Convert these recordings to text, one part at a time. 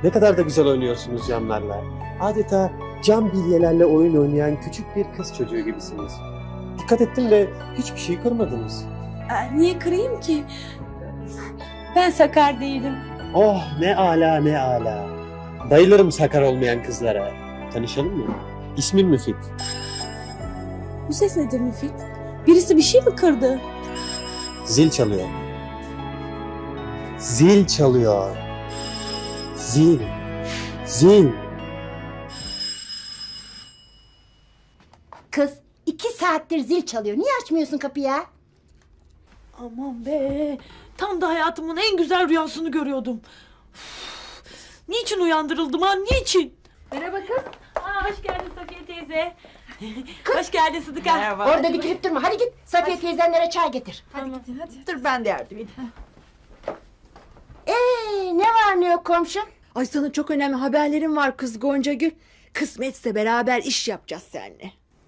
Ne kadar da güzel oynuyorsunuz camlarla. Adeta cam bilyelerle oyun oynayan küçük bir kız çocuğu gibisiniz. Dikkat ettim de hiçbir şey kırmadınız. Niye kırayım ki? Ben sakar değilim. Oh ne ala ne ala. Bayılırım sakar olmayan kızlara. Tanışalım mı? İsmim Müfit. Bu ses nedir Müfit? Birisi bir şey mi kırdı? Zil çalıyor. Zil çalıyor. Zil. Zil. Kız 2 saattir zil çalıyor. Niye açmıyorsun kapıyı ya? Aman be. Tam da hayatımın en güzel rüyasını görüyordum. Üf, niçin uyandırıldım ha? Niçin? Merhaba kız. Hoş geldin Safiye teyze. Hoş geldin Sıdıka. Merhaba. Orada dikilip durma. Hadi git Safiye teyzenlere çay getir. Hadi. Dur ben de yardım edeyim. Ne var ne yok komşum? Ay sana çok önemli haberlerim var kız Goncagül. Kısmetse beraber iş yapacağız seninle.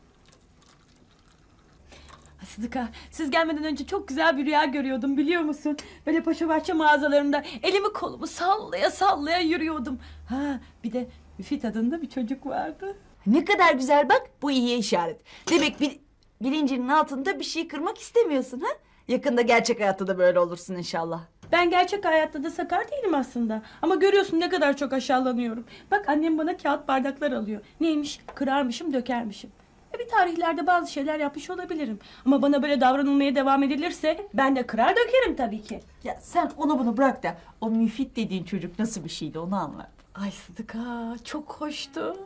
Sıdıka, siz gelmeden önce çok güzel bir rüya görüyordum biliyor musun? Böyle paşabahçe mağazalarında elimi kolumu sallaya sallaya yürüyordum. Ha, bir de Müfit adında bir çocuk vardı. Ne kadar güzel bak, bu iyi işaret. Demek bilincinin altında bir şey kırmak istemiyorsun ha? Yakında gerçek hayatta da böyle olursun inşallah. Ben gerçek hayatta da sakar değilim aslında. Ama görüyorsun ne kadar çok aşağılanıyorum. Bak annem bana kağıt bardaklar alıyor. Neymiş? Kırarmışım, dökermişim. Bir tarihlerde bazı şeyler yapmış olabilirim. Ama bana böyle davranılmaya devam edilirse ben de kırar dökerim tabii ki. Ya sen onu bunu bırak da o Müfit dediğin çocuk nasıl bir şeydi onu anlat. Ay Sıdıka çok hoştu.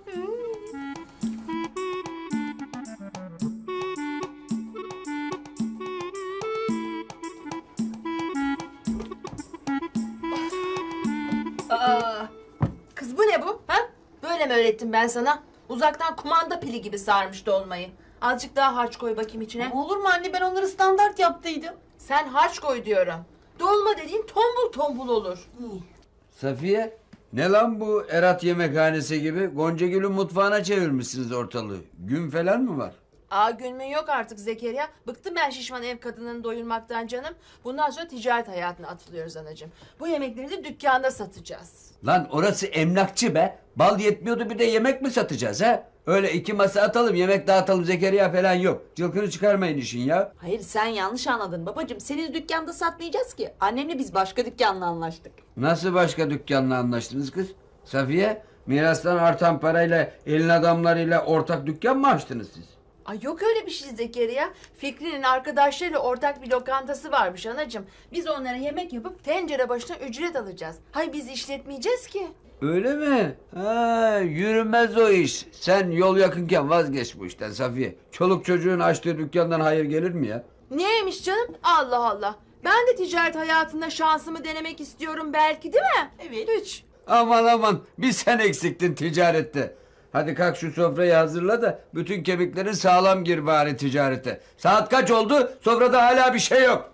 Kız bu ne bu? Ha? Böyle mi öğrettim ben sana? Uzaktan kumanda pili gibi sarmış dolmayı. Azıcık daha harç koy bakayım içine. Olur mu anne, ben onları standart yaptıydım. Sen harç koy diyorum. Dolma dediğin tombul tombul olur. Safiye, ne lan bu Erat yemekhanesi gibi? Goncagül'ün mutfağına çevirmişsiniz ortalığı. Gün falan mı var? Gülmün yok artık Zekeriya. Bıktım ben şişman ev kadınını doyurmaktan canım. Bundan sonra ticaret hayatına atılıyoruz anacığım. Bu yemekleri de dükkanda satacağız. Lan orası emlakçı be. Bal yetmiyordu bir de yemek mi satacağız ha? Öyle 2 masa atalım yemek dağıtalım Zekeriya falan yok. Cılkını çıkarmayın işin ya. Hayır sen yanlış anladın babacığım. Senin dükkanda satmayacağız ki. Annemle biz başka dükkanla anlaştık. Nasıl başka dükkanla anlaştınız kız? Safiye, mirastan artan parayla elin adamlarıyla ortak dükkan mı açtınız siz? Ay yok öyle bir şey Zekeriya. Fikri'nin arkadaşlarıyla ortak bir lokantası varmış anacığım. Biz onlara yemek yapıp tencere başına ücret alacağız. Hay biz işletmeyeceğiz ki. Öyle mi? Ha, yürümez o iş. Sen yol yakınken vazgeç bu işten Safiye. Çoluk çocuğun açtığı dükkandan hayır gelir mi ya? Niyeymiş canım? Allah Allah. Ben de ticaret hayatında şansımı denemek istiyorum belki değil mi? Evet. Hiç. Aman aman bir sen eksiktin ticarette. Hadi kalk şu sofrayı hazırla da bütün kemiklerin sağlam gir bari ticarete. Saat kaç oldu? Sofrada hala bir şey yok.